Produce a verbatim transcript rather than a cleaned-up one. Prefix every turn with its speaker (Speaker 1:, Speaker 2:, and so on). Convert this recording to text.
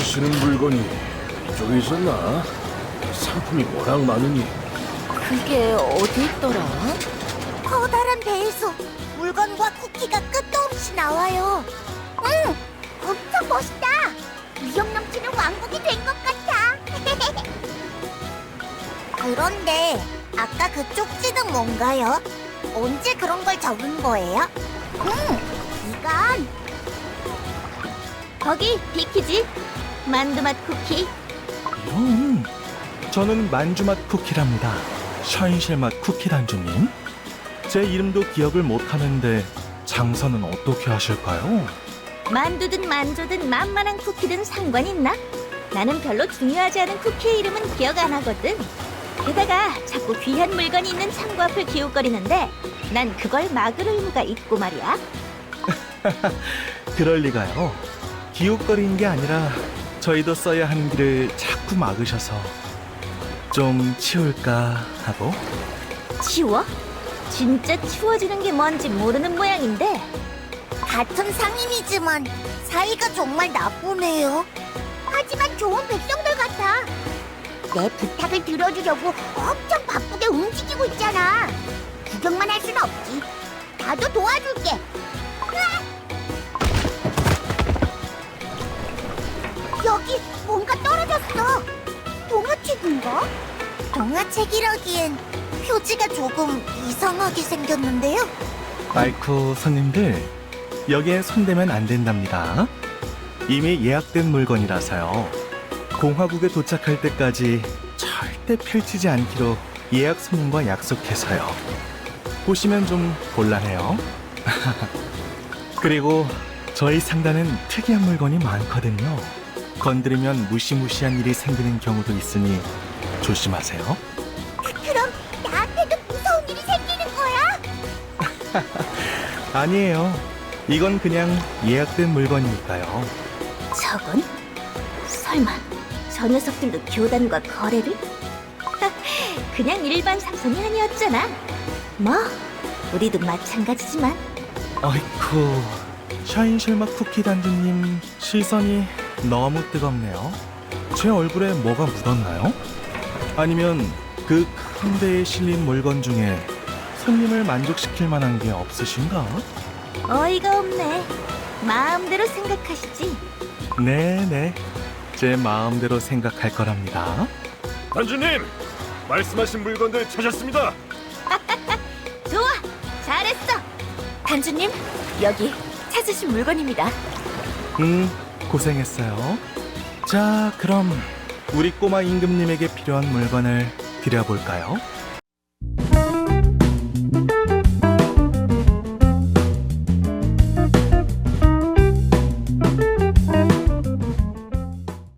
Speaker 1: 파시는 물건이 이쪽에 있었나? 상품이 워낙 많으니.
Speaker 2: 그게 어디 있더라?
Speaker 3: 커다란 배에서 물건과 쿠키가 끝도 없이 나와요. 응, 엄청 멋있다. 위력 넘치는 왕국이 된 것 같아. 그런데 아까 그 쪽지는 뭔가요? 언제 그런 걸 적은 거예요? 응, 이건
Speaker 2: 거기 비키지? 만두맛 쿠키.
Speaker 4: 이런, 저는 만주맛 쿠키랍니다. 샤인실 맛 쿠키 단주님. 제 이름도 기억을 못하는데 장사는 어떻게 하실까요?
Speaker 2: 만두든 만조든 만만한 쿠키든 상관 있나? 나는 별로 중요하지 않은 쿠키의 이름은 기억 안 하거든. 게다가 자꾸 귀한 물건이 있는 창고 앞을 기웃거리는데 난 그걸 막을 의무가 있고 말이야.
Speaker 4: 그럴 리가요. 기웃거리는 게 아니라 저희도 써야 하는 길을 자꾸 막으셔서 좀 치울까 하고.
Speaker 2: 치워? 진짜 치워지는 게 뭔지 모르는 모양인데.
Speaker 3: 같은 상인이지만 사이가 정말 나쁘네요. 하지만 좋은 백성들 같아. 내 부탁을 들어주려고 엄청 바쁘게 움직이고 있잖아. 구경만 할 순 없지. 나도 도와줄게. 으악! 여기 뭔가 떨어졌어. 동화책인가? 동화책이라기엔 표지가 조금 이상하게 생겼는데요.
Speaker 4: 아이쿠, 손님들, 여기엔 손대면 안 된답니다. 이미 예약된 물건이라서요. 공화국에 도착할 때까지 절대 펼치지 않기로 예약 손님과 약속해서요. 보시면 좀 곤란해요. 그리고 저희 상단은 특이한 물건이 많거든요. 건드리면 무시무시한 일이 생기는 경우도 있으니 조심하세요.
Speaker 3: 그럼 나한테도 무서운 일이 생기는 거야?
Speaker 4: 아니에요. 이건 그냥 예약된 물건이니까요.
Speaker 2: 저건? 설마 저 녀석들도 교단과 거래를? 그냥 일반 상선이 아니었잖아. 뭐 우리도 마찬가지지만.
Speaker 4: 아이쿠, 샤인실맛 쿠키 단주님 시선이 너무 뜨겁네요. 제 얼굴에 뭐가 묻었나요? 아니면 그 큰 배에 실린 물건 중에 손님을 만족시킬 만한 게 없으신가?
Speaker 2: 어이가 없네. 마음대로 생각하시지.
Speaker 4: 네네, 제 마음대로 생각할 거랍니다.
Speaker 1: 단주님, 말씀하신 물건들 찾았습니다.
Speaker 2: 좋아, 잘했어. 단주님, 여기 찾으신 물건입니다.
Speaker 4: 음, 고생했어요. 자, 그럼 우리 꼬마 임금님에게 필요한 물건을 드려볼까요?